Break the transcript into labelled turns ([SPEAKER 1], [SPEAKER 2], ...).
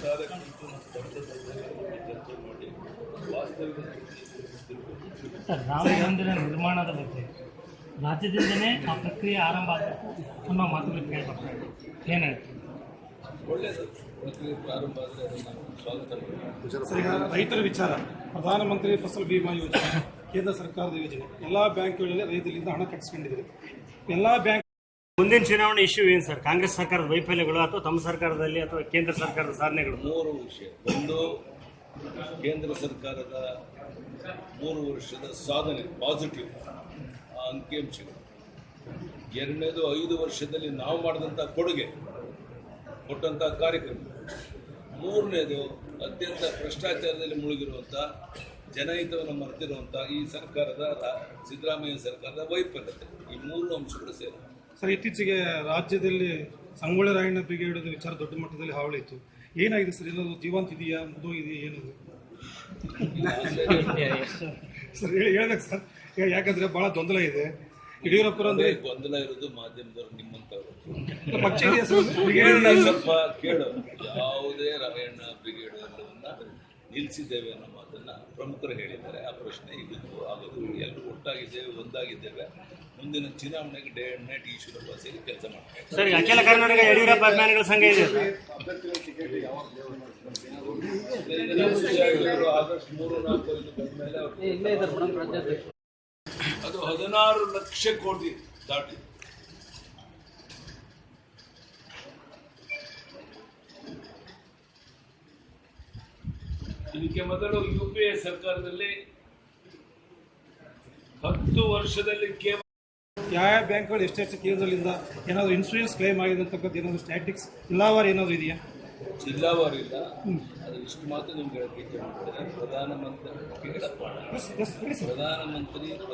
[SPEAKER 1] Sir, Rama ಮಂದಿರ ನಿರ್ಮಾಣದ ಬಗ್ಗೆ ರಾಜ್ಯದಿಂದನೇ ಆ ಪ್ರಕ್ರಿಯೆ ಆರಂಭ ಆಗಬೇಕು ಅನ್ನೋ ಮಾತುಗಳು ಕೇಳಬೇಕು. ಏನು ಹೇಳ್ತೀವಿ?
[SPEAKER 2] ಒಳ್ಳೆಯದು, ಪ್ರಕ್ರಿಯೆ ಪ್ರಾರಂಭ ಆದರೆ ಅದನ್ನು ಸ್ವಾಗತ ಮಾಡ್ತೀವಿ.
[SPEAKER 3] ಸರ್, ಈಗ ರೈತರ ವಿಚಾರ, ಪ್ರಧಾನಮಂತ್ರಿ ಫಸಲ್ ಬಿಮಾ ಯೋಜನೆ ಕೇಂದ್ರ ಸರ್ಕಾರದ ಯೋಜನೆ, ಎಲ್ಲ ಬ್ಯಾಂಕ್ಗಳಲ್ಲಿ ರೈತರಿಂದ ಹಣ ಕಟ್ಟಿಸ್ಕೊಂಡಿದ್ದಾರೆ. ಎಲ್ಲ ಬ್ಯಾಂಕ್
[SPEAKER 1] ಮುಂದಿನ ಚುನಾವಣೆ ಇಶ್ಯೂ ಏನು ಸರ್? ಕಾಂಗ್ರೆಸ್ ಸರ್ಕಾರದ ವೈಫಲ್ಯಗಳು ಅಥವಾ ತಮ್ಮ ಸರ್ಕಾರದಲ್ಲಿ ಅಥವಾ ಕೇಂದ್ರ ಸರ್ಕಾರದ ಸಾಧನೆಗಳು?
[SPEAKER 2] ಮೂರು ವಿಷಯ. ಒಂದು, ಕೇಂದ್ರ ಸರ್ಕಾರದ 3 ವರ್ಷದ ಸಾಧನೆ ಪಾಸಿಟಿವ್ ಅಂಕಿಅಂಶಗಳು. ಎರಡನೇದು, 5 ವರ್ಷದಲ್ಲಿ ನಾವು ಮಾಡಿದಂಥ ಕೊಡುಗೆ, ಕೊಟ್ಟಂಥ ಕಾರ್ಯಕ್ರಮ. ಮೂರನೇದು, ಅತ್ಯಂತ ಭ್ರಷ್ಟಾಚಾರದಲ್ಲಿ ಮುಳುಗಿರುವಂಥ, ಜನಹಿತವನ್ನು ಮರೆತಿರುವಂಥ ಈ ಸರ್ಕಾರದ, ಸಿದ್ದರಾಮಯ್ಯ ಸರ್ಕಾರದ ವೈಫಲ್ಯತೆ. ಈ 3 ಅಂಶಗಳು ಸೇರಿ.
[SPEAKER 3] ಸರ್, ಇತ್ತೀಚೆಗೆ ರಾಜ್ಯದಲ್ಲಿ ಸಂಗೊಳ್ಳಿ ರಾಯಣ್ಣ ಬ್ರಿಗೇಡ್ ವಿಚಾರ ದೊಡ್ಡ ಮಟ್ಟದಲ್ಲಿ ಹಾವಳಿ ಇತ್ತು. ಏನಾಗಿದೆ ಸರ್? ಏನಾದರೂ ಜೀವಂತ ಇದೆಯಾ, ಮುಗಿದೆಯಾ, ಏನದು ಸರ್ ಹೇಳ್ಬೇಕು ಸರ್? ಯಾಕಂದ್ರೆ ಬಹಳ ಗೊಂದಲ ಇದೆ. ಯಡಿಯೂರಪ್ಪರು ಅಂದ್ರೆ
[SPEAKER 2] ಗೊಂದಲ ಇರೋದು ಮಾಧ್ಯಮದವರು, ನಿಮ್ಮಂತವರು.
[SPEAKER 3] ಪಕ್ಷ ಇದೆಯಾ ಸರ್?
[SPEAKER 2] ಸ್ವಲ್ಪ ಕೇಳು. ಯಾವುದೇ ರಾಯಣ್ಣ ಬ್ರಿಗೇಡ್ ಎಲ್ಲವನ್ನ ನಿಲ್ಲಿಸಿದ್ದೇವೆ ಅನ್ನೋ ಮಾತನ್ನ ಪ್ರಮುಖರು ಹೇಳಿದ್ದಾರೆ. ಆ ಪ್ರಶ್ನೆ ಇವತ್ತು ಆಗೋದು. ಎಲ್ಲರೂ ಒಟ್ಟಾಗಿದ್ದೇವೆ, ಒಂದಾಗಿದ್ದೇವೆ. ಮುಂದಿನ ಚುನಾವಣೆಗೆ ಡೇ ಅಂಡ್ ನೈಟ್ ಈಶ್ವರಪ್ಪ ಸೇರಿ ಕೆಲಸ ಮಾಡ್ತಾರೆ.
[SPEAKER 1] ಸರ್, ಅಖಿಲ ಕರ್ನಾಟಕ ಯಡಿಯೂರಪ್ಪ ಅಭಿಮಾನಿಗಳ ಸಂಘ ಇದೆ
[SPEAKER 2] ಆಗಸ್ಟ್ 3-4 ಬಂದ ಮೇಲೆ ಅದು 16 ಲಕ್ಷ ಕೋಟಿ ದಾಟಿ. ಇದಕ್ಕೆ ಮೊದಲು UPA ಸರ್ಕಾರದಲ್ಲಿ 10 ವರ್ಷದಲ್ಲಿ ಕೇವಲ
[SPEAKER 3] ಯಾವ ಬ್ಯಾಂಕ್ಗಳು ಎಷ್ಟೆಷ್ಟು ಕೇಂದ್ರದಿಂದ ಏನಾದರೂ ಇನ್ಶೂರೆನ್ಸ್ ಕ್ಲೈಮ್ ಆಗಿದೆ ಅಂತಕ್ಕಂಥ ಏನಾದರೂ ಸ್ಟ್ಯಾಟಿಕ್ಸ್ ಜಿಲ್ಲಾವಾರು ಏನಾದರೂ ಇದೆಯಾ?
[SPEAKER 2] ಜಿಲ್ಲಾವಾರು ಇಲ್ಲ. ಅದು ಇಷ್ಟು ಮಾತ್ರ ನಿಮ್ಗೆ ಹೇಳಕ್ಕೆ ಇಚ್ಛೆ ಮಾಡ್ತಾರೆ. ಪ್ರಧಾನಮಂತ್ರಿ